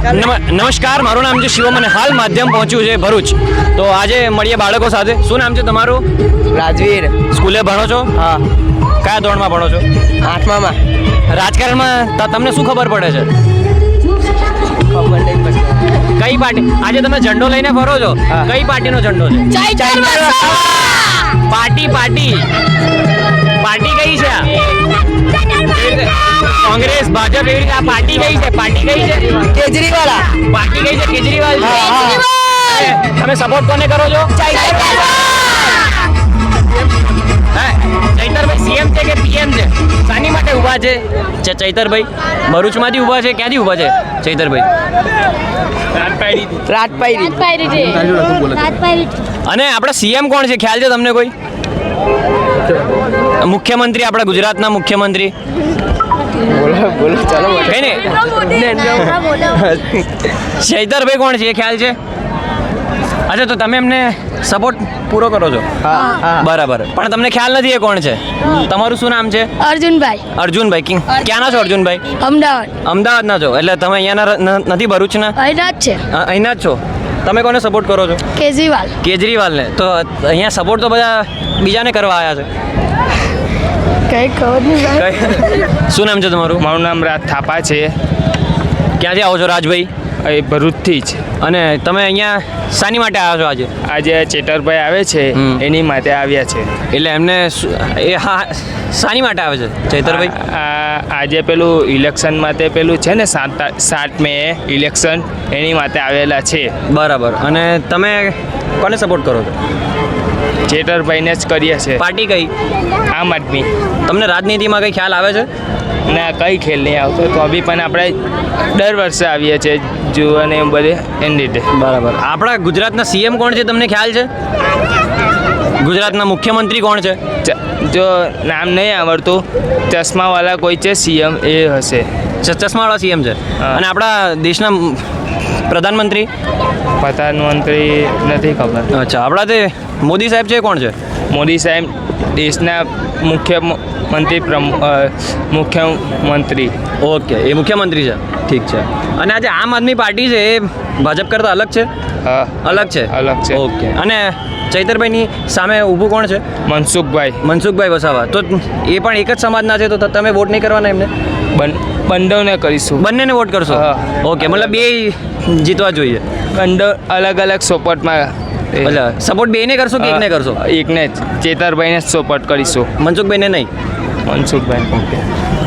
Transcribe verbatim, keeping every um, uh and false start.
નમસ્કાર, મારું નામ છે શિવમ અને હાલ માધ્યમ પહોંચ્યું છે ભરૂચ. તો આજે મળીએ બાળકો સાથે. શું નામ છે તમારું? રાજવીર. સ્કૂલે ભણો છો? હા. કયા ધોરણમાં ભણો છો? આઠમામાં. રાજકારણમાં ત- તમને શું ખબર પડે છે? ખબર નહીં પડતી. કઈ પાર્ટી? આજે તમે ઝંડો લઈને ફરો છો, હા. કઈ પાર્ટીનો ઝંડો છે? પાર્ટી પાર્ટી પાર્ટી કઈ છે આ? એવી રીતે કોંગ્રેસ, ભાજપ, એવી રીતે આ પાર્ટી કઈ છે? પાર્ટી કઈ છે? કેજરીવાલ. પાર્ટી કઈ છે? કેજરીવાલ છે. હા, હા. એ, તમે સપોર્ટ કોને કરો છો? હે? ચૈતરભાઈ સીએમ છે કે પીએમ છે? શાની માટે ઊભા છે ચ- ચૈતરભાઈ? ભરૂચમાંથી ઊભા છે? ક્યાંથી ઊભા છે ચૈતરભાઈ? રાજપાઈ. અને આપણા સીએમ કોણ છે, ખ્યાલ છે તમને કોઈ? મુખ્યમંત્રી, આપણા ગુજરાતના મુખ્યમંત્રી બોલો બોલો ચાલો કઈ ને ચૈતરભાઈ કોણ છે એ ખ્યાલ છે? અચ્છા, તો તમે એમને સપોર્ટ પૂરો કરો છો? હા હા. બરાબર, પણ તમને ખ્યાલ નથી એ કોણ છે? તમારું શું નામ છે? અર્જુનભાઈ, અર્જુનભાઈ. કિંગ ક્યાંના છો અર્જુનભાઈ? અમદાવાદ. અમદાવાદના છો, એટલે તમે અહીંયાના ન- નથી ભરૂચના? અહીંના જ છે. અ- અહીંના જ છો. તમે કોને સપોર્ટ કરો છો? કેજરીવાલ. કેજરીવાલને. તો અહીંયા સપોર્ટ તો બધા બીજાને કરવા આવ્યા છે. કઈ ખબર નહીં ભાઈ. કઈ- શું નામ છે તમારું? મારું નામ રાજ થાપા છે, ક્યાંથી આવો છો રાજભાઈ? એ ભરૂચથી જ. અને તમે અહીંયા શાની માટે આવ્યા છો આજે? આજે ચેતરભાઈ આવે છે હમ. એની માટે આવ્યા છે. એટલે એમને શું- એ હા શાની માટે આવે છે ચૈતરભાઈ? આ- આ- આજે પેલું ઇલેક્શન માટે પેલું છે ને સાત તા- સાત મે ઇલેક્શન એની માટે આવેલા છે. બરાબર. અને તમે કોને સપોર્ટ કરો છો? ચેતરભાઈને જ કરીએ છે. પાર્ટી કઈ? આમ આદમી. તમને રાજનીતિમાં કઈ ખ્યાલ આવે છે? ના, કઈ ખેલ નહીં આવતો તો બી પણ આપણે દર વર્ષે આવીએ છીએ જોવાને એમ બધે એની રીતે. બરાબર. આપણા ગુજરાતના સીએમ કોણ છે, તમને ખ્યાલ છે? ગુજરાતના મુખ્યમંત્રી કોણ છે? ચ- જો નામ નહીં આવડતું, ચશ્માવાળા કોઈ છે સીએમ એ હશે. ચ- ચશ્માવાળા સીએમ છે. હા. અને આપણા દેશના પ્રધાનમંત્રી? પ્રધાનમંત્રી નથી ખબર. અચ્છા, આપણા તે મોદી સાહેબ છે એ કોણ છે? મોદી સાહેબ દેશના મુખ્ય મ- મંત્રી પ્રમુ- અ, મુખ્યમંત્રી. ઓકે, એ મુખ્યમંત્રી છે. ઠીક છે. અને આજે આમ આદમી પાર્ટી છે એ ભાજપ કરતાં અલગ છે? હા, અલગ છે. અલગ છે. ઓકે. અને ચૈતરભાઈની સામે ઊભું કોણ છે? મનસુખભાઈ. મનસુખભાઈ વસાવા. તો એ પણ એક જ સમાજના છે, તો તમે વોટ નહીં કરવાના એમને? બન બંડોને કરીશું. બંનેને વોટ કરશો? હા. ઓકે, મતલબ બે જીતવા જોઈએ. બંડો અલગ અલગ સપોર્ટમાં. એટલે સપોર્ટ બેને કરશો કે એકને કરશો? એકને જ ચેતરભાઈને જ સપોર્ટ કરીશું. મનસુખભાઈને નહીં? મનસુખભાઈ. ઓકે.